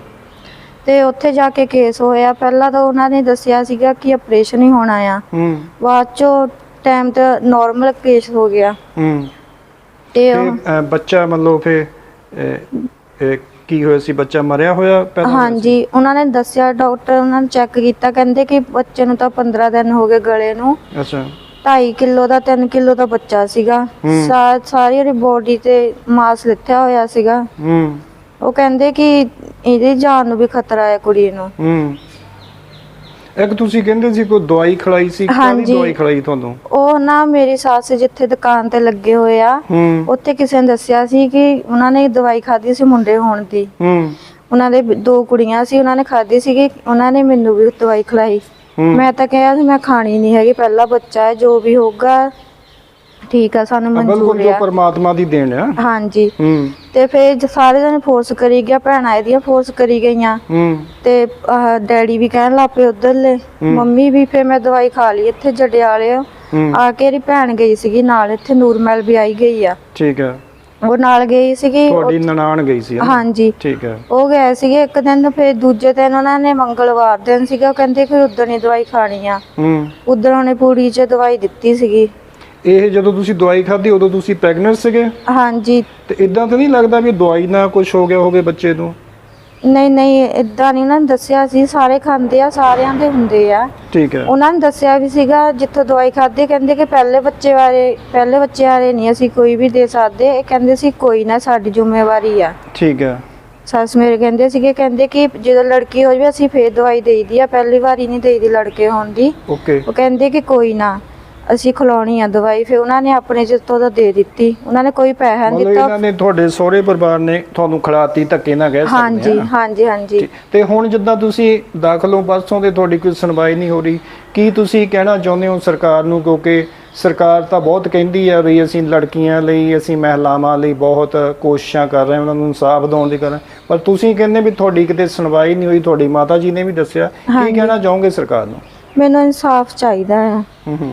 [SPEAKER 3] ਤੇ ਉੱਥੇ ਜਾ ਕੇ ਕੇਸ ਹੋਇਆ। ਪਹਿਲਾਂ ਤਾਂ ਉਹਨਾਂ ਨੇ ਦੱਸਿਆ ਸੀਗਾ ਕਿ ਆਪਰੇਸ਼ਨ ਹੀ ਹੋਣਾ ਆ, ਬਾਅਦ ਚੋਂ ਟਾਈਮ ਤੇ ਨਾਰਮਲ ਕੇਸ ਹੋ ਗਿਆ। ਤੇ ਬੱਚਾ ਮਤਲਬ ਫਿਰ ਕੀ ਹੋਇਆ ਸੀ? ਬੱਚਾ ਮਰਿਆ ਹੋਇਆ ਪਹਿਲਾਂ? ਹਾਂਜੀ, ਉਹਨਾਂ ਨੇ ਦੱਸਿਆ, ਡਾਕਟਰ ਉਹਨਾਂ ਨੇ ਚੈੱਕ ਕੀਤਾ, ਕਹਿੰਦੇ ਕਿ ਬੱਚੇ ਨੂੰ ਤਾਂ ਪੰਦਰਾਂ ਦਿਨ ਹੋ ਗਏ ਗਲੇ ਨੂੰ। ਅੱਛਾ। ਢਾਈ ਕਿਲੋ ਦਾ ਤਿੰਨ ਕਿਲੋ ਦਾ ਬੱਚਾ ਸੀਗਾ, ਸਾਰੀ ਉਹਦੀ ਬੋਡੀ ਤੇ ਮਾਸ ਲਿੱਥਿਆ ਹੋਇਆ ਸੀਗਾ। ਉਹ ਕਹਿੰਦੇ ਕਿ ਇਹਦੀ ਜਾਨ ਨੂੰ ਵੀ ਖਤਰਾ ਹੈ ਕੁੜੀ ਨੂੰ।
[SPEAKER 2] ਇੱਕ ਤੁਸੀਂ ਕਹਿੰਦੇ ਸੀ ਕੋਈ ਦਵਾਈ ਖਿਲਾਈ ਸੀ, ਕਾਹਦੀ
[SPEAKER 3] ਹਾਂਜੀ।
[SPEAKER 2] ਦਵਾਈ ਖਿਲਾਈ ਤੁਹਾਨੂੰ?
[SPEAKER 3] ਉਹ ਨਾ ਮੇਰੀ ਸੱਸ ਜਿੱਥੇ ਦੁਕਾਨ ਤੇ ਲੱਗੇ ਹੋਏ ਆ,
[SPEAKER 2] ਹੂੰ
[SPEAKER 3] ਉੱਥੇ ਕਿਸੇ ਨੇ ਦੱਸਿਆ ਸੀ ਕਿ ਉਹਨਾਂ ਨੇ ਦਵਾਈ ਖਾਧੀ ਸੀ ਮੁੰਡੇ ਹੋਣ ਦੀ।
[SPEAKER 2] ਹੂੰ
[SPEAKER 3] ਉਹਨਾਂ ਦੇ ਦੋ ਕੁੜੀਆਂ ਸੀ, ਉਹਨਾਂ ਨੇ ਖਾਧੀ ਸੀਗੀ, ਉਹਨਾਂ ਨੇ ਮੈਨੂੰ ਵੀ ਦਵਾਈ ਖਿਲਾਈ।
[SPEAKER 2] ਹੂੰ।
[SPEAKER 3] ਮੈਂ ਤਾਂ ਕਿਹਾ ਸੀ ਮੈਂ ਖਾਣੀ ਨਹੀਂ ਹੈਗੀ, ਪਹਿਲਾ ਬੱਚਾ ਹੈ, ਜੋ ਵੀ ਹੋਊਗਾ ਠੀਕ ਆ, ਸਾਨੂੰ
[SPEAKER 2] ਬਿਲਕੁਲ
[SPEAKER 3] ਮਨਜ਼ੂਰ
[SPEAKER 2] ਜੋ
[SPEAKER 3] ਆ।
[SPEAKER 2] ਪਰਮਾਤਮਾ ਦੀ ਦੇਣ ਆ।
[SPEAKER 3] ਹਾਂਜੀ।
[SPEAKER 2] ਹੂੰ
[SPEAKER 3] ਤੇ ਫਿਰ ਜ- ਸਾਰੇ ਜਣੇ ਫੋਰਸ ਕਰੀ ਗਿਆ, ਭੈਣਾਂ ਇਹਦੀਆਂ ਫੋਰਸ ਕਰੀ ਗਈਆਂ
[SPEAKER 2] ਹੂੰ
[SPEAKER 3] ਤੇ ਆਹ ਡੈਡੀ ਵੀ ਕਹਿਣ ਲੱਗ ਪਏ ਉਧਰਲੇ, ਮੰਮੀ ਵੀ। ਫਿਰ ਮੈਂ ਦਵਾਈ ਖਾ ਲਈ ਇੱਥੇ ਜੜਿਆਲੇ
[SPEAKER 2] ਹੂੰ
[SPEAKER 3] ਆ ਕੇ। ਇਹਦੀ ਭੈਣ ਗਈ ਸੀਗੀ ਨਾਲ, ਇੱਥੇ ਨੂਰਮਹਿਲ ਵੀ ਆਈ ਗਈ ਆ,
[SPEAKER 2] ਠੀਕ ਹੈ।
[SPEAKER 3] ਉਹ ਨਾਲ ਗਈ ਸੀਗੀ।
[SPEAKER 2] ਤੁਹਾਡੀ ਨਨਾਣ ਗਈ ਸੀ, ਹੈ ਨਾ?
[SPEAKER 3] ਹਾਂਜੀ।
[SPEAKER 2] ਠੀਕ ਹੈ।
[SPEAKER 3] ਉਹ ਗਏ ਸੀਗੇ ਇੱਕ ਦਿਨ, ਫਿਰ ਦੂਜੇ ਦਿਨ ਉਹਨਾਂ ਨੇ ਮੰਗਲਵਾਰ ਦਿਨ ਸੀਗਾ, ਉਹ ਕਹਿੰਦੇ ਕਿ ਉਦਣ ਹੀ ਦਵਾਈ ਖਾਣੀ ਆ।
[SPEAKER 2] ਹੂੰ।
[SPEAKER 3] ਉਦਣ ਉਹਨੇ ਪੂੜੀ 'ਚ ਦਵਾਈ ਦਿੱਤੀ ਸੀਗੀ।
[SPEAKER 2] ਇਹ ਜਦੋਂ ਤੁਸੀਂ ਦਵਾਈ ਖਾਧੀ ਉਦੋਂ ਤੁਸੀਂ ਪ੍ਰੈਗਨੈਂਟ ਸੀਗੇ?
[SPEAKER 3] ਹਾਂਜੀ।
[SPEAKER 2] ਤੇ ਇਦਾਂ ਤਾਂ ਨਹੀਂ ਲੱਗਦਾ ਵੀ ਦਵਾਈ ਨਾਲ ਕੁਝ ਹੋ ਗਿਆ ਹੋਵੇ ਬੱਚੇ ਨੂੰ?
[SPEAKER 3] ਨਹੀਂ ਨਹੀਂ, ਇਦਾਂ ਨਹੀਂ ਉਹਨਾਂ ਨੇ ਦੱਸਿਆ ਸੀ, ਸਾਰੇ ਖਾਂਦੇ ਆ, ਸਾਰਿਆਂ ਦੇ ਹੁੰਦੇ ਆ।
[SPEAKER 2] ਠੀਕ ਹੈ।
[SPEAKER 3] ਉਹਨਾਂ ਨੇ ਦੱਸਿਆ ਵੀ ਸੀਗਾ ਜਿੱਥੋਂ ਦਵਾਈ ਖਾਧੀ, ਕਹਿੰਦੇ ਕਿ ਪਹਿਲੇ ਬੱਚੇ ਬਾਰੇ ਪਹਿਲੇ ਬੱਚੇ ਬਾਰੇ ਨਹੀਂ ਅਸੀਂ ਕੋਈ ਵੀ ਦੇ ਸਕਦੇ। ਇਹ ਕਹਿੰਦੇ ਸੀ ਕੋਈ ਨਾ, ਸਾਡੀ ਜ਼ਿੰਮੇਵਾਰੀ ਆ।
[SPEAKER 2] ਠੀਕ ਹੈ।
[SPEAKER 3] ਸੱਸ ਮੇਰੇ ਕਹਿੰਦੇ ਸੀਗੇ, ਕਹਿੰਦੇ ਕਿ ਜਦੋਂ ਲੜਕੀ ਹੋ ਜਾਵੇ ਅਸੀਂ ਫੇਰ ਦਵਾਈ ਦੇਈਦੀ ਆ, ਪਹਿਲੀ ਵਾਰੀ ਨਹੀਂ ਦੇਈਦੀ ਲੜਕੇ ਹੋਣ ਦੀ।
[SPEAKER 2] ਓਕੇ।
[SPEAKER 3] ਉਹ ਕਹਿੰਦੇ ਕਿ ਕੋਈ ਨਾ, ਅਸੀਂ ਖਿਲਾਉਣੀ ਆ ਦਵਾਈ। ਫਿਰ ਉਹਨਾਂ ਨੇ ਆਪਣੇ ਜਿੱਤੋਂ ਦਾ ਦੇ ਦਿੱਤੀ, ਉਹਨਾਂ ਨੇ ਕੋਈ ਪੈਸਾ ਨਹੀਂ
[SPEAKER 2] ਮਤਲਬ
[SPEAKER 3] ਦਿੱਤਾ।
[SPEAKER 2] ਇਹਨਾਂ ਨੇ ਤੁਹਾਡੇ ਸਹੁਰੇ ਪਰਿਵਾਰ ਨੇ ਤੁਹਾਨੂੰ ਖਿਲਾਤੀ, ਧੱਕੇ ਨਾਲ ਕਹਿ ਸਕਦੇ ਆ?
[SPEAKER 3] ਹਾਂਜੀ ਹਾਂਜੀ ਹਾਂਜੀ।
[SPEAKER 2] ਤੇ ਹੁਣ ਜਿੱਦਾਂ ਤੁਸੀਂ ਦਾਖਲ ਹੋ ਪਰਸੋਂ ਦੇ, ਤੁਹਾਡੀ ਕੋਈ ਸੁਣਵਾਈ ਨਹੀਂ ਹੋ ਰਹੀ, ਕੀ ਤੁਸੀਂ ਕਹਿਣਾ ਚਾਹੁੰਦੇ ਹੋ ਸਰਕਾਰ ਨੂੰ? ਕਿਉਂਕਿ ਸਰਕਾਰ ਤਾਂ ਬਹੁਤ ਕਹਿੰਦੀ ਆ ਵੀ ਅਸੀਂ ਲੜਕੀਆਂ ਲਈ, ਅਸੀਂ ਮਹਿਲਾਵਾਂ ਲਈ ਬਹੁਤ ਕੋਸ਼ਿਸ਼ਾਂ ਕਰ ਰਹੇ ਹਾਂ, ਉਹਨਾਂ ਨੂੰ ਇਨਸਾਫ ਦਿਵਾਉਣ ਦੀ ਕਰ ਰਹੇ, ਪਰ ਤੁਸੀਂ ਕਹਿੰਦੇ ਵੀ ਤੁਹਾਡੀ ਕਿਤੇ ਸੁਣਵਾਈ ਨਹੀਂ ਹੋਈ। ਤੁਹਾਡੀ ਮਾਤਾ ਜੀ ਨੇ ਵੀ ਦੱਸਿਆ। ਕੀ ਕਹਿਣਾ ਚਾਹੋਗੇ ਸਰਕਾਰ ਨੂੰ?
[SPEAKER 3] ਮੈਨੂੰ ਇਨਸਾਫ ਚਾਹੀਦਾ ਆ।
[SPEAKER 2] ਹੂੰ ਹੂੰ।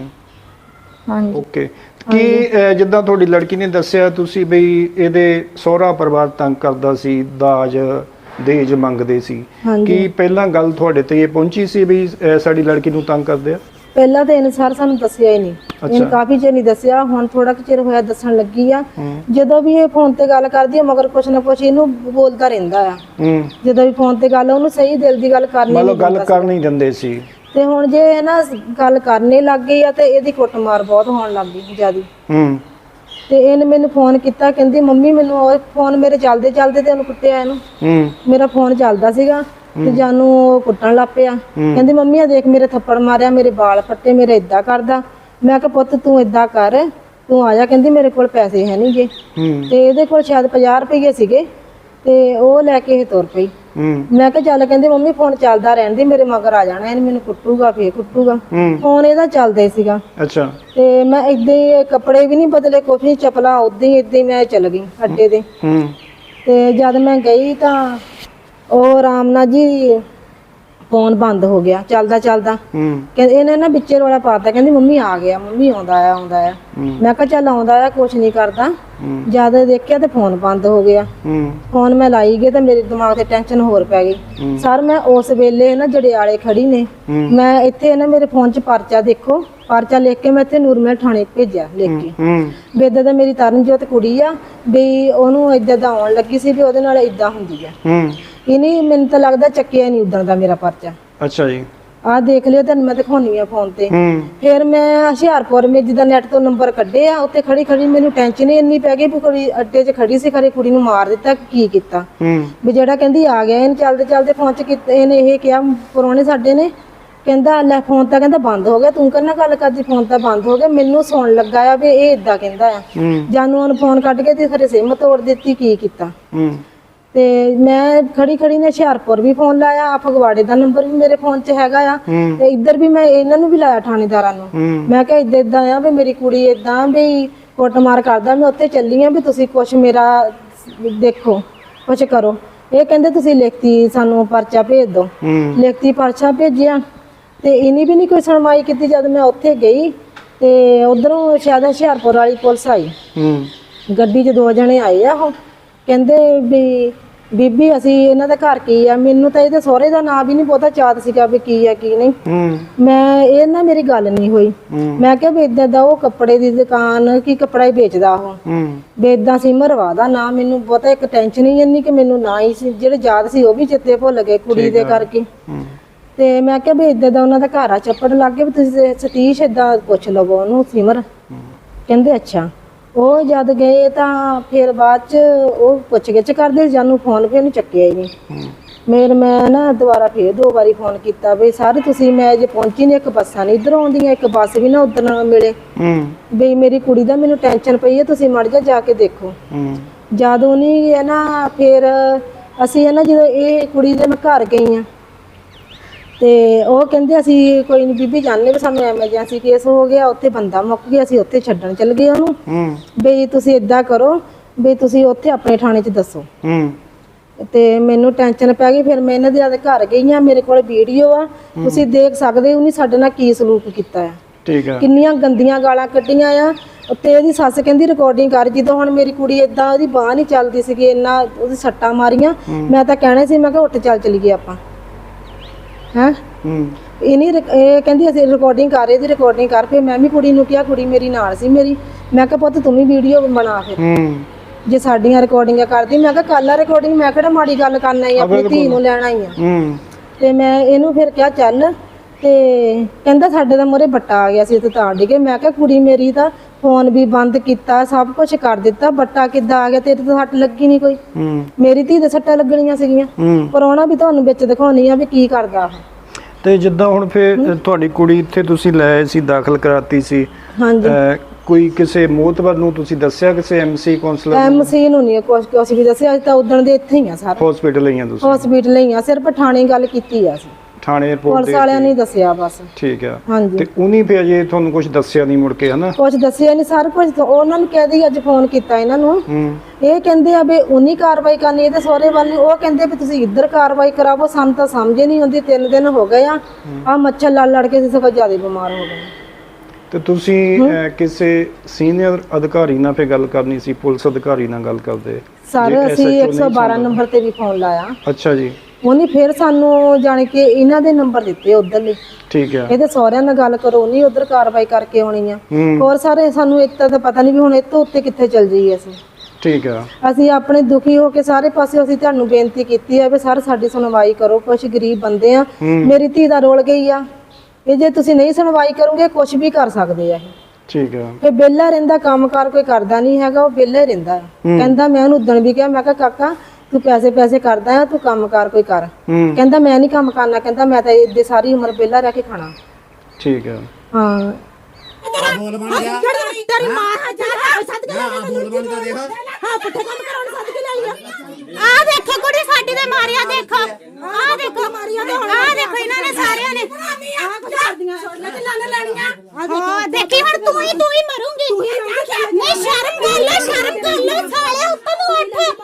[SPEAKER 3] ਹਾਂਜੀ।
[SPEAKER 2] ਓਕੇ। ਕੀ ਅਹ, ਜਿੱਦਾਂ ਤੁਹਾਡੀ ਲੜਕੀ ਨੇ ਦੱਸਿਆ ਤੁਸੀਂ ਬਈ ਇਹਦੇ ਸਹੁਰਾ ਪਰਿਵਾਰ ਤੰਗ ਕਰਦਾ ਸੀ, ਦਾਜ ਦੇਜ ਮੰਗਦੇ ਸੀ, ਕੀ ਪਹਿਲਾਂ ਗੱਲ ਤੁਹਾਡੇ ਤੇ ਇਹ ਪਹੁੰਚੀ ਸੀ ਵੀ ਅਹ, ਸਾਡੀ ਲੜਕੀ ਨੂੰ ਤੰਗ ਕਰਦੇ ਆ?
[SPEAKER 4] ਪਹਿਲਾਂ ਤਾਂ ਇਹਨੇ ਸਰ ਸਾਨੂੰ ਦੱਸਿਆ ਹੀ ਨਹੀਂ, ਇਹਨੂੰ ਕਾਫੀ ਚਿਰ ਨਹੀਂ ਦੱਸਿਆ, ਹੁਣ ਥੋੜਾ ਕੁ ਚਿਰ ਹੋਇਆ ਦੱਸਣ ਲੱਗੀ ਆ। ਜਦੋਂ ਵੀ ਇਹ ਫੋਨ ਤੇ ਗੱਲ ਕਰਦੀ ਆ ਮਗਰ ਕੁਛ ਨਾ ਕੁਛ ਇਹਨੂੰ ਬੋਲਦਾ ਰਹਿੰਦਾ ਆ। ਜਦੋਂ ਵੀ ਫੋਨ ਤੇ ਗੱਲ, ਉਹਨੂੰ ਸਹੀ ਦਿਲ ਦੀ ਗੱਲ ਕਰਨੀ
[SPEAKER 2] ਮਤਲਬ ਗੱਲ ਕਰ ਨਹੀਂ ਦਿੰਦੇ ਸੀ।
[SPEAKER 4] ਤੇ ਹੁਣ ਜੇ ਇਹ ਨਾ ਗੱਲ ਕਰਨੇ ਲੱਗ ਗਈ ਆ ਤੇ ਇਹਦੀ ਕੁੱਟਮਾਰ ਬਹੁਤ ਹੋਣ ਲੱਗ ਗਈ ਜਿਆਦੀ।
[SPEAKER 2] ਹੂੰ।
[SPEAKER 4] ਤੇ ਇਹਨੇ ਮੈਨੂੰ ਫੋਨ ਕੀਤਾ, ਕਹਿੰਦੀ ਮੰਮੀ ਮੈਨੂੰ ਉਹ ਫੋਨ ਮੇਰੇ ਚੱਲਦੇ ਚੱਲਦੇ ਤੇ ਉਹਨੂੰ ਕੁੱਟਿਆ ਇਹਨੂੰ।
[SPEAKER 2] ਹੂੰ।
[SPEAKER 4] ਮੇਰਾ ਫੋਨ ਚੱਲਦਾ ਸੀਗਾ ਤੇ ਜਾਨੂੰ ਉਹ ਕੁੱਟਣ ਲੱਗ ਪਿਆ। ਕਹਿੰਦੀ ਮੰਮੀ ਆ ਦੇਖ ਮੇਰੇ ਥੱਪੜ ਮਾਰਿਆ, ਮੇਰੇ ਵਾਲ ਫੱਟੇ, ਮੇਰੇ ਇਦਾਂ ਕਰਦਾ। ਮੈਂ ਕਿਹਾ ਪੁੱਤ ਤੂੰ ਇਦਾਂ ਕਰ, ਤੂੰ ਆਇਆ। ਕਹਿੰਦੀ ਮੇਰੇ ਕੋਲ ਪੈਸੇ ਹੈ ਨਹੀਂਗੇ। ਤੇ ਇਹਦੇ ਕੋਲ ਸ਼ਾਇਦ ਪੰਜਾਹ ਰੁਪਏ ਸੀਗੇ ਤੇ ਉਹ ਲੈ ਕੇ ਇਹ ਤੁਰ ਪਈ। ਮੈਂ ਕਿਹਾ ਚੱਲ, ਕਹਿੰਦੀ ਮੰਮੀ ਫੋਨ ਚੱਲਦਾ ਰਹਿਣ ਦੀ, ਮੇਰੇ ਮਗਰ ਆ ਜਾਣਾ, ਇਹਨੇ ਮੈਨੂੰ ਕੁੱਟੂਗਾ ਫੇਰ ਕੁੱਟੂਗਾ। ਫੋਨ ਇਹਦਾ ਚੱਲਦਾ ਹੀ ਸੀਗਾ।
[SPEAKER 2] ਅੱਛਾ।
[SPEAKER 4] ਤੇ ਮੈਂ ਏਦਾਂ ਹੀ ਕੱਪੜੇ ਵੀ ਨਹੀਂ ਬਦਲੇ, ਕੁਛ ਨਹੀਂ, ਚੱਪਲਾਂ ਉਦਾਂ ਹੀ ਏਦਾਂ ਹੀ ਮੈਂ ਚੱਲ ਗਈ ਅੱਡੇ ਤੇ। ਤੇ ਜਦ ਮੈਂ ਗਈ ਤਾਂ ਉਹ ਆਰਾਮ ਨਾਲ ਜੀ ਫੋਨ ਬੰਦ ਹੋ ਗਿਆ, ਚੱਲਦਾ ਚੱਲਦਾ। ਕਹਿੰਦੇ ਇਹਨੇ ਨਾ ਵਿੱਚੇ ਰੌਲਾ ਪਾਤਾ, ਕਹਿੰਦੀ ਮੰਮੀ ਆ ਗਿਆ, ਮੰਮੀ ਆਉਂਦਾ ਆ ਆਉਂਦਾ ਆ। ਮੈਂ ਕਿਹਾ ਚੱਲ ਆਉਂਦਾ ਆ, ਕੁਛ ਨਹੀਂ ਕਰਦਾ। ਜਦ ਦੇਖਿਆ ਤੇ ਫੋਨ ਬੰਦ ਹੋ ਗਿਆ। ਫੋਨ ਮੈਂ ਲਾਈ ਗਈ ਤੇ ਮੇਰੇ ਦਿਮਾਗ ਤੇ ਟੈਨਸ਼ਨ ਹੋਰ ਪੈ ਗਈ। ਸਰ ਮੈਂ ਉਸ ਵੇਲੇ ਨਾ ਜੜਿਆਲੇ ਖੜੀ ਨੇ, ਮੈਂ ਇੱਥੇ ਨਾ ਮੇਰੇ ਫੋਨ 'ਚ ਪਰਚਾ ਦੇਖੋ, ਪਰਚਾ ਲਿਖ ਕੇ ਮੈਂ ਇੱਥੇ ਨੂਰਮਹਿਲ ਥਾਣੇ ਭੇਜਿਆ ਲਿਖ ਕੇ ਵੀ ਏਦਾਂ ਦਾ ਮੇਰੀ ਤਰਨਜੋਤ ਕੁੜੀ ਆ, ਵੀ ਉਹਨੂੰ ਏਦਾਂ ਦਾ ਆਉਣ ਲੱਗੀ ਸੀ ਵੀ ਉਹਦੇ ਨਾਲ ਏਦਾਂ ਹੁੰਦੀ ਆ। ਇਹਨੇ ਮੈਨੂੰ ਤਾਂ ਲੱਗਦਾ ਚੱਕਿਆ ਨਹੀਂ ਉਦਾਂ ਦਾ ਮੇਰਾ ਪਰਚਾ।
[SPEAKER 2] ਅੱਛਾ ਜੀ।
[SPEAKER 4] ਆਹ ਦੇਖ ਲਿਓ, ਤੁਹਾਨੂੰ ਮੈਂ ਦਿਖਾਉਣੀ ਆ ਫੋਨ ਤੇ। ਫਿਰ ਮੈਂ ਹੁਸ਼ਿਆਰਪੁਰ ਮੇ ਜਿੱਦਾਂ ਨੈਟ ਤੋਂ ਨੰਬਰ ਕੱਢੇ ਆ, ਉੱਥੇ ਖੜੀ ਖੜੀ ਮੈਨੂੰ ਟੈਨਸ਼ਨ ਹੀ ਇੰਨੀ ਪੈ ਗਈ ਵੀ ਕੁੜੀ ਅੱਡੇ 'ਚ ਖੜੀ ਸੀ, ਖਰੇ ਕੁੜੀ ਨੂੰ ਮਾਰ ਦਿੱਤਾ ਕੀ ਕੀਤਾ। ਵੀ ਜਿਹੜਾ ਕਹਿੰਦੀ ਆ ਗਿਆ, ਇਹਨੇ ਚੱਲਦੇ ਚੱਲਦੇ ਫੋਨ 'ਚ ਇਹਨੇ ਇਹ ਕਿਹਾ ਪਰੋਣੇ ਸਾਡੇ ਨੇ, ਕਹਿੰਦਾ ਲੈ ਫੋਨ ਤਾਂ ਕਹਿੰਦਾ ਬੰਦ ਹੋ ਗਿਆ, ਤੂੰ ਕਰਨਾ ਗੱਲ ਕਰਦੀ, ਫੋਨ ਤਾਂ ਬੰਦ ਹੋ ਗਿਆ। ਮੈਨੂੰ ਸੁਣ ਲੱਗਾ ਆ ਵੀ ਇਹ ਏਦਾਂ ਕਹਿੰਦਾ ਆ। ਜਾਨੂੰ ਉਹਨੂੰ ਫੋਨ ਕੱਢ ਕੇ ਤੇ ਖਰੇ ਸਿਮ ਤੋੜ ਦਿੱਤੀ, ਕੀ ਕੀਤਾ। ਤੇ ਮੈਂ ਖੜੀ ਖੜੀ ਨੇ ਹੁਸ਼ਿਆਰਪੁਰ ਵੀ ਫੋਨ ਲਾਇਆ, ਆ ਫਗਵਾੜੇ ਦਾ ਨੰਬਰ ਵੀ ਮੇਰੇ ਫੋਨ 'ਚ ਹੈਗਾ ਆ, ਤੇ ਇੱਧਰ ਵੀ ਮੈਂ ਇਹਨਾਂ ਨੂੰ ਵੀ ਲਾਇਆ ਥਾਣੇਦਾਰਾਂ ਨੂੰ। ਮੈਂ ਕਿਹਾ ਏਦਾਂ ਏਦਾਂ ਆ ਵੀ ਮੇਰੀ ਕੁੜੀ ਏਦਾਂ ਵੀ ਕੁੱਟਮਾਰ ਕਰਦਾ, ਮੈਂ ਉੱਥੇ ਚੱਲੀ ਆ ਵੀ ਤੁਸੀਂ ਕੁਛ ਮੇਰਾ ਦੇਖੋ, ਕੁਛ ਕਰੋ। ਇਹ ਕਹਿੰਦੇ ਤੁਸੀਂ ਲਿਖਤੀ ਸਾਨੂੰ ਪਰਚਾ ਭੇਜ ਦਿਓ। ਲਿਖਤੀ ਪਰਚਾ ਭੇਜਿਆ ਤੇ ਇਹਨੇ ਵੀ ਨਹੀਂ ਕੋਈ ਸੁਣਵਾਈ ਕੀਤੀ। ਜਦ ਮੈਂ ਉੱਥੇ ਗਈ ਤੇ ਉਧਰੋਂ ਸ਼ਾਇਦ ਹੁਸ਼ਿਆਰਪੁਰ ਵਾਲੀ ਪੁਲਿਸ ਆਈ, ਗੱਡੀ 'ਚ ਦੋ ਜਣੇ ਆਏ ਆ। ਉਹ ਕਹਿੰਦੇ ਵੀ ਬੀਬੀ ਅਸੀਂ ਇਹਨਾਂ ਦਾ ਘਰ ਕੀ ਆ। ਮੈਨੂੰ ਤਾਂ ਇਹਦੇ ਸਹੁਰੇ ਦਾ ਨਾਂ ਵੀ ਨਹੀਂ ਪਤਾ, ਚਾਤ ਸੀਗਾ ਵੀ ਕੀ ਆ ਕੀ ਨਹੀਂ। ਮੈਂ ਇਹ ਨਾ ਮੇਰੀ ਗੱਲ ਨਹੀਂ ਹੋਈ। ਮੈਂ ਕਿਹਾ ਵੀ ਏਦਾਂ ਦਾ ਉਹ ਕੱਪੜੇ ਦੀ ਦੁਕਾਨ, ਕੀ ਕੱਪੜਾ ਹੀ ਵੇਚਦਾ ਉਹ, ਵੀ ਏਦਾਂ ਸੀ ਮਰਵਾ ਦਾ ਨਾਂ। ਮੈਨੂੰ ਪਤਾ ਇੱਕ ਟੈਨਸ਼ਨ ਹੀ ਇੰਨੀ ਕਿ ਮੈਨੂੰ ਨਾ ਹੀ ਸੀ, ਜਿਹੜੇ ਯਾਦ ਸੀ ਉਹ ਵੀ ਚਿੱਤੇ ਭੁੱਲ ਗਏ ਕੁੜੀ ਦੇ ਕਰਕੇ। ਤੇ ਮੈਂ ਕਿਹਾ ਵੀ ਏਦਾਂ ਦਾ ਉਹਨਾਂ ਦਾ ਘਰ ਆ, ਚੱਪੜ ਲੱਗ ਗਏ ਵੀ ਤੁਸੀਂ ਸਤੀਸ਼ ਏਦਾਂ ਪੁੱਛ ਲਵੋ ਉਹਨੂੰ ਸਿਮਰ। ਕਹਿੰਦੇ ਅੱਛਾ। ਉਹ ਜਦ ਗਏ ਤਾਂ ਫਿਰ ਬਾਅਦ ਚ ਉਹ ਪੁੱਛ ਗਿੱਛ ਕਰਦੇ, ਜਾਨੂੰ ਫੋਨ ਫਿਰ ਉਹਨੂੰ ਚੱਕਿਆ ਹੀ ਨਹੀਂ। ਮੇਰ ਮੈਂ ਨਾ ਦੁਬਾਰਾ ਫੇਰ ਦੋ ਵਾਰੀ ਫੋਨ ਕੀਤਾ ਵੀ ਸਰ ਤੁਸੀਂ ਮੈਂ ਜੇ ਪਹੁੰਚੀ ਨਹੀਂ, ਇੱਕ ਬੱਸਾਂ ਨਹੀਂ ਇੱਧਰ ਆਉਂਦੀਆਂ, ਇੱਕ ਬੱਸ ਵੀ ਨਾ ਉਧਰ ਨਾ ਮਿਲੇ
[SPEAKER 2] ਹੂੰ
[SPEAKER 4] ਵੀ ਮੇਰੀ ਕੁੜੀ ਦਾ ਮੈਨੂੰ ਟੈਨਸ਼ਨ ਪਈ ਹੈ, ਤੁਸੀਂ ਮੜ ਜਾ ਜਾ ਕੇ ਦੇਖੋ।
[SPEAKER 2] ਹੂੰ
[SPEAKER 4] ਜਦੋਂ ਨਹੀਂ ਹੈ ਨਾ ਫਿਰ ਅਸੀਂ ਹੈ ਨਾ ਜਦੋਂ ਇਹ ਕੁੜੀ ਦੇ ਮੈਂ ਘਰ ਗਈ ਆ ਤੇ ਉਹ ਕਹਿੰਦੇ ਅਸੀਂ ਕੋਈ ਨਹੀਂ ਬੀਬੀ ਜਾਣਦੇ ਵੀ ਸਾਨੂੰ ਐਮਰਜੈਂਸੀ ਕੇਸ ਹੋ ਗਿਆ, ਉੱਥੇ ਬੰਦਾ ਮੁੱਕ ਗਿਆ, ਅਸੀਂ ਉੱਥੇ ਛੱਡਣ ਚੱਲ ਗਏ ਉਹਨੂੰ।
[SPEAKER 2] ਹੂੰ
[SPEAKER 4] ਵੀ ਤੁਸੀਂ ਇਦਾਂ ਕਰੋ ਵੀ ਤੁਸੀਂ ਉੱਥੇ ਆਪਣੇ ਥਾਣੇ 'ਚ ਦੱਸੋ।
[SPEAKER 2] ਹੂੰ
[SPEAKER 4] ਤੇ ਮੈਨੂੰ ਟੈਨਸ਼ਨ ਪੈ ਗਈ, ਫਿਰ ਮੈਂ ਇਹਨਾਂ ਦੇ ਆਦੇ ਘਰ ਗਈ ਆ, ਮੇਰੇ ਕੋਲ ਵੀਡੀਓ ਆ, ਤੁਸੀਂ ਦੇਖ ਸਕਦੇ ਹੋ ਉਹਨੇ ਸਾਡੇ ਨਾਲ ਕੀ ਸਲੂਕ ਕੀਤਾ ਆ,
[SPEAKER 2] ਠੀਕ ਆ,
[SPEAKER 4] ਕਿੰਨੀਆਂ ਗੰਦੀਆਂ ਗਾਲਾਂ ਕੱਢੀਆਂ ਆ। ਤੇ ਇਹਦੀ ਸੱਸ ਕਹਿੰਦੀ ਰਿਕਾਰਡਿੰਗ ਕਰ, ਜਦੋਂ ਹੁਣ ਮੇਰੀ ਕੁੜੀ ਏਦਾਂ ਉਹਦੀ ਬਾਂਹ ਨਹੀਂ ਚੱਲਦੀ ਸੀਗੀ, ਇੰਨਾ ਉਹਦੀ ਸੱਟਾਂ ਮਾਰੀਆਂ, ਮੈਂ ਤਾਂ ਕਹਿਣਾ ਸੀ ਮੈਂ ਕਿਹਾ ਉੱਠ ਚੱਲ ਚਲੀਏ ਆਪਾਂ ਹੈਂ।
[SPEAKER 2] ਹੂੰ
[SPEAKER 4] ਇਹ ਨਹੀਂ ਇਹ ਕਹਿੰਦੀ ਅਸੀਂ ਰਿਕਾਰਡਿੰਗ ਕਰ ਰਹੇ, ਇਹਦੀ ਰਿਕਾਰਡਿੰਗ ਕਰ। ਫਿਰ ਮੈਂ ਵੀ ਕੁੜੀ ਨੂੰ ਕਿਹਾ, ਕੁੜੀ ਮੇਰੀ ਨਾਲ ਸੀ ਮੇਰੀ, ਮੈਂ ਕਿਹਾ ਪੁੱਤ ਤੂੰ ਵੀ ਵੀਡੀਓ ਬਣਾ ਫਿਰ
[SPEAKER 2] ਹੂੰ
[SPEAKER 4] ਜੇ ਸਾਡੀਆਂ ਰਿਕਾਰਡਿੰਗਾਂ ਕਰਦੀ। ਮੈਂ ਕਿਹਾ ਕੱਲ ਆ ਰਿਕਾਰਡਿੰਗ, ਮੈਂ ਕਿਹੜਾ ਮਾੜੀ ਗੱਲ ਕਰਨ ਆਈ ਆਪਣੀ ਧੀ ਨੂੰ ਲੈਣ ਆਈ ਆ।
[SPEAKER 2] ਹੂੰ
[SPEAKER 4] ਤੇ ਮੈਂ ਇਹਨੂੰ ਫਿਰ ਕਿਹਾ ਚੱਲ, ਤੇ ਕਹਿੰਦਾ ਸਾਡੇ ਦਾ ਮੂਹਰੇ ਬੱਟਾ ਆ ਗਿਆ ਸੀ ਤੇ ਤਾਂ ਡਿੱਗੇ। ਮੈਂ ਕਿਹਾ ਕੁੜੀ ਮੇਰੀ ਤਾਂ ਫੋਨ ਵੀ ਬੰਦ ਕੀਤਾ, ਸਭ ਕੁਝ ਕਰ ਦਿੱਤਾ, ਬੱਟਾ ਕਿੱਦਾਂ ਆ ਗਿਆ, ਤੇਰੇ ਤਾਂ ਸੱਟ ਲੱਗੀ ਨਹੀਂ ਕੋਈ,
[SPEAKER 2] ਹੂੰ
[SPEAKER 4] ਮੇਰੀ ਧੀ ਦੇ ਸੱਟਾਂ ਲੱਗਣੀਆਂ ਸੀਗੀਆਂ।
[SPEAKER 2] ਹੂੰ
[SPEAKER 4] ਪਰ ਉਹਨਾਂ ਵੀ ਤੁਹਾਨੂੰ ਵਿੱਚ ਦਿਖਾਉਣੀ ਆ ਵੀ ਕੀ ਕਰਦਾ ਉਹ।
[SPEAKER 2] ਤੇ ਜਿੱਦਾਂ ਹੁਣ ਫਿਰ ਤੁਹਾਡੀ ਕੁੜੀ ਇੱਥੇ ਤੁਸੀਂ ਲੈ ਸੀ, ਦਾਖਲ ਕਰਾਤੀ ਸੀ,
[SPEAKER 4] ਹਾਂਜੀ
[SPEAKER 2] ਅਹ ਕੋਈ ਕਿਸੇ ਮੋਤਬਰ ਨੂੰ ਤੁਸੀਂ ਦੱਸਿਆ, ਕਿਸੇ ਐਮਸੀ ਕਾਉਂਸਲਰ
[SPEAKER 4] ਐਮਸੀ ਨੂੰ ਨਹੀਂ ਕੁਛ ਕੁਛ ਵੀ ਦੱਸਿਆ, ਅੱਜ ਤਾਂ ਉਦਣ ਦੇ ਇੱਥੇ ਹੀ ਆ ਸਾਰੇ
[SPEAKER 2] ਹਸਪੀਟਲ ਆਈਆਂ ਤੁਸੀਂ?
[SPEAKER 4] ਹਸਪੀਟਲ ਹੀ ਆ, ਸਿਰਫ ਥਾਣੇ ਗੱਲ ਕੀਤੀ ਆ ਅਸੀਂ,
[SPEAKER 2] ਥਾਣੇ ਰਿਪੋਰਟ
[SPEAKER 4] ਪੁਲਿਸ ਵਾਲਿਆਂ ਨੇ ਦੱਸਿਆ ਬਸ।
[SPEAKER 2] ਠੀਕ ਆ।
[SPEAKER 4] ਹਾਂਜੀ
[SPEAKER 2] ਤੇ ਉਹਨੀ ਫਿਰ ਅਜੇ ਤੁਹਾਨੂੰ ਕੁਝ ਦੱਸਿਆ ਨਹੀਂ ਮੁੜ ਕੇ, ਹਨਾ?
[SPEAKER 4] ਕੁਛ ਦੱਸਿਆ ਨਹੀਂ ਸਰ, ਕੁਝ ਉਹਨਾਂ ਨੂੰ ਕਹਿ ਦਈ ਅੱਜ ਫੋਨ ਕੀਤਾ ਇਹਨਾਂ ਨੂੰ,
[SPEAKER 2] ਹੂੰ
[SPEAKER 4] ਇਹ ਕਹਿੰਦੇ ਆ ਵੀ ਉਨੀ ਕਾਰਵਾਈ ਕਰਨੀ ਇਹਦੇ ਸਹੁਰੇ ਵੱਲ ਨੂੰ, ਉਹ ਕਹਿੰਦੇ ਵੀ ਤੁਸੀਂ ਇੱਧਰ ਕਾਰਵਾਈ ਕਰਾਵੋ, ਸਾਨੂੰ ਤਾਂ ਸਮਝ ਨਹੀਂ ਆਉਂਦੀ। ਤਿੰਨ ਦਿਨ ਹੋ ਗਏ ਆ ਆ ਮੱਛਰ ਲੜ ਲੜ ਕੇ ਅਸੀਂ ਸਗੋਂ ਜ਼ਿਆਦਾ ਬਿਮਾਰ ਹੋ ਗਏ।
[SPEAKER 2] ਤੇ ਤੁਸੀਂ ਅਹ, ਕਿਸੇ ਸੀਨੀਅਰ ਅਧਿਕਾਰੀ ਨਾਲ ਫੇ ਗੱਲ ਕਰਨੀ ਸੀ, ਪੁਲਿਸ ਅਧਿਕਾਰੀ ਨਾਲ ਗੱਲ ਕਰਦੇ?
[SPEAKER 4] ਸਰ
[SPEAKER 2] ਜੇ
[SPEAKER 4] ਅਸੀਂ
[SPEAKER 2] S H O
[SPEAKER 4] ਇੱਕ ਸੌ ਬਾਰਾਂ ਨੰਬਰ ਤੇ ਵੀ ਫੋਨ ਲਾਇਆ,
[SPEAKER 2] ਅੱਛਾ ਜੀ,
[SPEAKER 4] ਉਹਨੇ ਫਿਰ ਸਾਨੂੰ ਜਾਣ ਕੇ ਇਹਨਾਂ ਦੇ ਨੰਬਰ ਦਿੱਤੇ ਉਧਰਲੇ,
[SPEAKER 2] ਠੀਕ ਆ।
[SPEAKER 4] ਇਹਦੇ ਸਹੁਰਿਆਂ ਨਾਲ ਗੱਲ ਕਰੋ, ਨਹੀਂ ਉਧਰ ਕਾਰਵਾਈ ਕਰਕੇ ਆਉਣੀ ਆ।
[SPEAKER 2] ਹੂੰ
[SPEAKER 4] ਹੋਰ ਸਾਰੇ ਸਾਨੂੰ ਇੱਥੇ ਤਾਂ ਪਤਾ ਨਹੀਂ ਵੀ ਹੁਣ ਇਹ ਤੋਂ ਉੱਤੇ ਕਿੱਥੇ ਚੱਲ ਜਾਈਏ ਅਸੀਂ।
[SPEAKER 2] ਠੀਕ ਆ।
[SPEAKER 4] ਅਸੀਂ ਆਪਣੇ ਦੁਖੀ ਹੋ ਕੇ ਸਾਰੇ ਪਾਸੇ ਅਸੀਂ ਤੁਹਾਨੂੰ ਬੇਨਤੀ ਕੀਤੀ ਹੈ ਵੀ ਸਰ ਸਾਡੀ ਸੁਣਵਾਈ ਕਰੋ, ਕੁਝ ਗਰੀਬ ਬੰਦੇ ਆ, ਮੇਰੀ ਧੀ ਦਾ ਰੋਲ ਗਈ ਆ, ਇਹ ਜੇ ਤੁਸੀਂ ਨਹੀਂ ਸੁਣਵਾਈ ਕਰੋਗੇ ਕੁਝ ਵੀ ਕਰ ਸਕਦੇ ਆ ਇਹ।
[SPEAKER 2] ਠੀਕ ਆ।
[SPEAKER 4] ਇਹ ਵਿਹਲਾ ਰਹਿੰਦਾ, ਕੰਮਕਾਰ ਕੋਈ ਕਰਦਾ ਨਹੀਂ ਹੈਗਾ, ਉਹ ਵਿਹਲਾ ਹੀ ਰਹਿੰਦਾ। ਕਹਿੰਦਾ ਮੈਂ ਉਹਨੂੰ ਉਦਣ ਵੀ ਕਿਹਾ, ਮੈਂ ਕਿਹਾ ਕਾਕਾ ਤੂੰ ਪੈਸੇ ਪੈਸੇ ਕਰਦਾ ਆ, ਤੂੰ ਕੰਮਕਾਰ ਕੋਈ ਕਰ।
[SPEAKER 2] ਹੂੰ
[SPEAKER 4] ਕਹਿੰਦਾ ਮੈਂ ਨਹੀਂ ਕੰਮ ਕਰਨਾ, ਕਹਿੰਦਾ ਮੈਂ ਤਾਂ ਇੱਦੇ ਸਾਰੀ ਉਮਰ ਵਿਹਲਾ ਰਹਿ ਕੇ ਖਾਣਾ।
[SPEAKER 2] ਠੀਕ ਆ।
[SPEAKER 4] ਹਾਂ
[SPEAKER 5] ਬੋਲ ਬਣ ਗਿਆ ਤੇਰੀ ਮਾਂ ਆ ਜਾ ਸੱਦ ਕੇ ਆ ਬੋਲ ਬਣ ਗਿਆ ਦੇਖ ਹਾਂ ਪੁੱਠੇ ਕੰਮ ਕਰਾਉਣ ਸੱਦ ਕੇ ਲਈ ਆ ਆ ਦੇਖੋ ਕੁੜੀ ਸਾਡੀ ਦੇ ਮਾਰਿਆ, ਦੇਖੋ ਆ ਦੇਖੋ ਮਾਰਿਆ ਤੇ ਹੁਣ ਆ ਦੇਖੋ ਇਹਨਾਂ ਨੇ ਸਾਰਿਆਂ ਨੇ ਆ ਕੁਝ ਕਰਦੀਆਂ ਛੋੜਨਾ ਤੇ ਲਾਣੇ ਲੈਣੀਆਂ ਹਾਂ ਦੇਖੀ ਹੁਣ ਤੂੰ ਹੀ ਤੂੰ ਹੀ ਮਰੂੰਗੀ। ਨਹੀਂ ਸ਼ਰਮ ਕਰ ਲੈ, ਸ਼ਰਮ ਕਰ ਲੈ ਸਾਲੇ, ਉੱਤੋਂ ਨੂੰ ਉੱਠ।